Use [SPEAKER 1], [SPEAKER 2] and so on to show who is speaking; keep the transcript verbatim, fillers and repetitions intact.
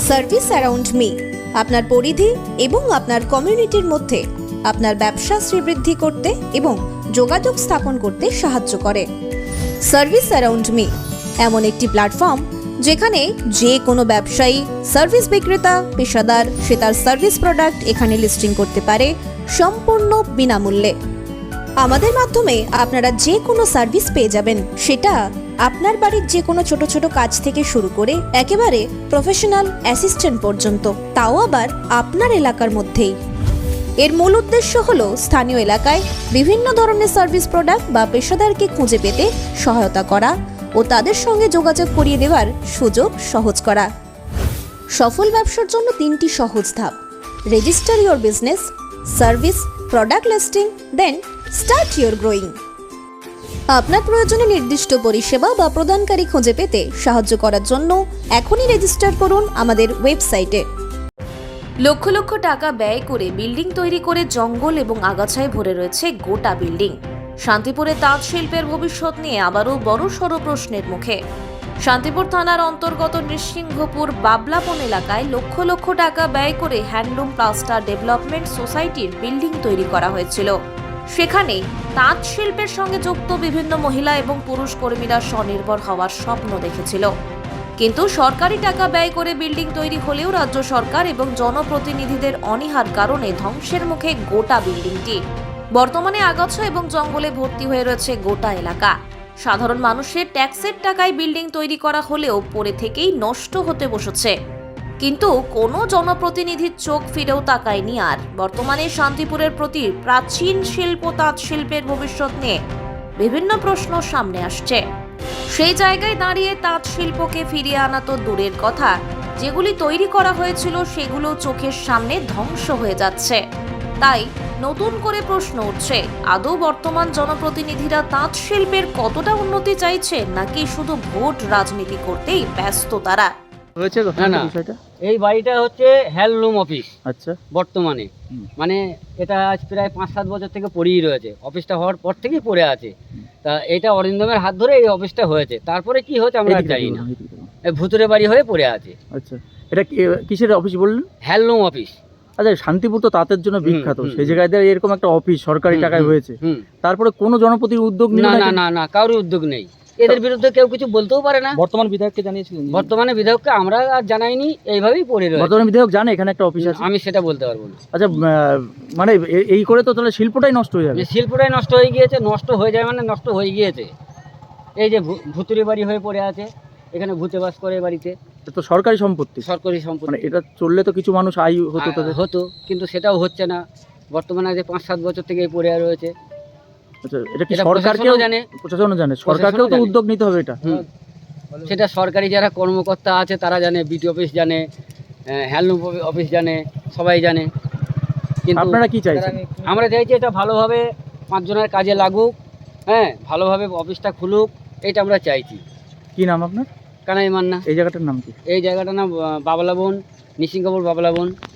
[SPEAKER 1] Service around me আপনার পরিধি এবং আপনার কমিউনিটির মধ্যে আপনার ব্যবসা শ্রীবৃদ্ধি করতে এবং যোগাযোগ স্থাপন করতে সাহায্য করে। সার্ভিস অ্যারাউন্ড মি এমন একটি প্ল্যাটফর্ম যেখানে যে কোনো ব্যবসায়ী, সার্ভিস বিক্রেতা, পেশাদার সে তার সার্ভিস প্রোডাক্ট এখানে লিস্টিং করতে পারে সম্পূর্ণ বিনামূল্যে। আমাদের মাধ্যমে আপনারা যে কোনো সার্ভিস পেয়ে যাবেন, সেটা আপনার বাড়ির যে কোনো ছোট ছোট কাজ থেকে শুরু করে একেবারে প্রফেশনাল অ্যাসিস্ট্যান্ট পর্যন্ত, তাও আবার আপনার এলাকার মধ্যেই। এর মূল উদ্দেশ্য হলো স্থানীয় এলাকায় বিভিন্ন ধরনের সার্ভিস প্রোডাক্ট বা পেশাদারকে খুঁজে পেতে সহায়তা করা ও তাদের সঙ্গে যোগাযোগ করিয়ে দেওয়ার সুযোগ সহজ করা। সফল ব্যবসার জন্য তিনটি সহজ ধাপ: register your business, service, product listing, then start your growing. আপনার প্রয়োজনে নির্দিষ্ট পরিষেবা বা প্রদানকারী খুঁজে পেতে সাহায্য করার জন্য এখনই রেজিস্টার করুন আমাদের ওয়েবসাইটে। লক্ষ লক্ষ টাকা ব্যয় করে বিল্ডিং তৈরি করে জঙ্গল এবং আগাছায় ভরে রয়েছে গোটা বিল্ডিং। শান্তিপুরে তাঁত শিল্পের ভবিষ্যৎ নিয়ে আবারও বড়সড় প্রশ্নের মুখে। শান্তিপুর থানার অন্তর্গত নৃসিংহপুর বাবলাপন এলাকায় লক্ষ লক্ষ টাকা ব্যয় করে হ্যান্ডলুম প্লাস্টার ডেভেলপমেন্ট সোসাইটির বিল্ডিং তৈরি করা হয়েছিল। সেখানে তাঁত শিল্পের সঙ্গে যুক্ত বিভিন্ন মহিলা এবং পুরুষ কর্মীরা স্বনির্ভর হওয়ার স্বপ্ন দেখেছিল। কিন্তু সরকারি টাকা ব্যয় করে বিল্ডিং তৈরি হলেও রাজ্য সরকার এবং জনপ্রতিনিধিদের অনীহার কারণে ধ্বংসের মুখে গোটা বিল্ডিংটি। বর্তমানে আগাছা এবং জঙ্গলে ভর্তি হয়ে রয়েছে গোটা এলাকা। সাধারণ মানুষের ট্যাক্সের টাকায় বিল্ডিং তৈরি করা হলেও পরে থেকেই নষ্ট হতে বসেছে, কিন্তু কোনো জনপ্রতিনিধির চোখ ফিরেও তাকায়নি। আর বর্তমানে শান্তিপুরের প্রতি প্রাচীন শিল্প তাঁত শিল্পের ভবিষ্যৎ নিয়ে বিভিন্ন প্রশ্ন সামনে আসছে। সেই জায়গায় দাঁড়িয়ে তাঁত শিল্পকে ফিরিয়ে আনা তো দূরের কথা, যেগুলি তৈরি করা হয়েছিল সেগুলো চোখের সামনে ধ্বংস হয়ে যাচ্ছে। তাই নতুন করে প্রশ্ন উঠছে, আদৌ বর্তমান জনপ্রতিনিধিরা তাঁত শিল্পের কতটা উন্নতি চাইছে, নাকি শুধু ভোট রাজনীতি করতেই ব্যস্ত তারা?
[SPEAKER 2] হয়েছে
[SPEAKER 3] না না এই বাড়িটা হচ্ছে হ্যান্ডলুম অফিস।
[SPEAKER 2] আচ্ছা,
[SPEAKER 3] বর্তমানে মানে এটা আজ প্রায় পাঁচ সাত বছর থেকে পড়েই রয়েছে। অফিসটা হওয়ার পর থেকেই পড়ে আছে। তা এটা অরিন্দমের হাত ধরে এই অফিসটা হয়েছে। তারপরে কি হয়েছে আমরা জানি না, ভুতুরে বাড়ি হয়ে পড়ে আছে।
[SPEAKER 2] আচ্ছা, এটা কিসের অফিস বললেন?
[SPEAKER 3] Handloom office.
[SPEAKER 2] আচ্ছা, শান্তিপুর তো তাঁতের জন্য বিখ্যাত, সেই জায়গায় এরকম একটা অফিস সরকারি টাকায় হয়েছে, তারপরে কোনো জনপ্রতিনিধির উদ্যোগ নেই?
[SPEAKER 3] না না না কারোর উদ্যোগ নেই। এদের বিরুদ্ধে কেউ কিছু বলতেও পারে না।
[SPEAKER 2] বর্তমান বিধায়ককে জানিয়েছিলেন?
[SPEAKER 3] বর্তমানে বিধায়ককে আমরা আর জানাইনি, এইভাবেই পড়ে রয়েছে।
[SPEAKER 2] বর্তমান বিধায়ক জানে এখানে একটা অফিস আছে?
[SPEAKER 3] আমি সেটা বলতে পারবো না।
[SPEAKER 2] আচ্ছা, মানে এই করে তো তাহলে শিল্পটাই নষ্ট হয়ে যাবে?
[SPEAKER 3] শিল্পটাই নষ্ট হয়ে গিয়েছে। নষ্ট হয়ে যায় মানে নষ্ট হয়ে গিয়েছে। এই যে ভুতুরে বাড়ি হয়ে পড়ে আছে, এখানে ভূতে বাস করে বাড়িতে।
[SPEAKER 2] তো সরকারি সম্পত্তি?
[SPEAKER 3] সরকারি সম্পত্তি।
[SPEAKER 2] মানে এটা চললে তো কিছু মানুষ আয় হতো তাদের?
[SPEAKER 3] হতো, কিন্তু সেটাও হচ্ছে না। বর্তমানে যে পাঁচ সাত বছর থেকে পড়ে রয়েছে।
[SPEAKER 2] আচ্ছা, এটা কি সরকারকেও জানে? প্রশাসনও জানে, সরকারকেও তো উদ্যোগ নিতে হবে এটা।
[SPEAKER 3] সেটা সরকারি যারা কর্মকর্তা আছে তারা জানে, বিডি অফিস জানে, হ্যান্ডলুম অফিস জানে, সবাই জানে। কিন্তু
[SPEAKER 2] আপনারা কি চাইছেন?
[SPEAKER 3] আমরা চাইছি এটা ভালোভাবে পাঁচজনের কাজে লাগুক, হ্যাঁ, ভালোভাবে অফিসটা খুলুক, এটা আমরা চাইছি।
[SPEAKER 2] কি নাম আপনার?
[SPEAKER 3] কানাই মান্না।
[SPEAKER 2] এই জায়গাটার নাম কি?
[SPEAKER 3] এই জায়গাটার নাম বাবলাবন, নৃসিংহপুর বাবলাবন।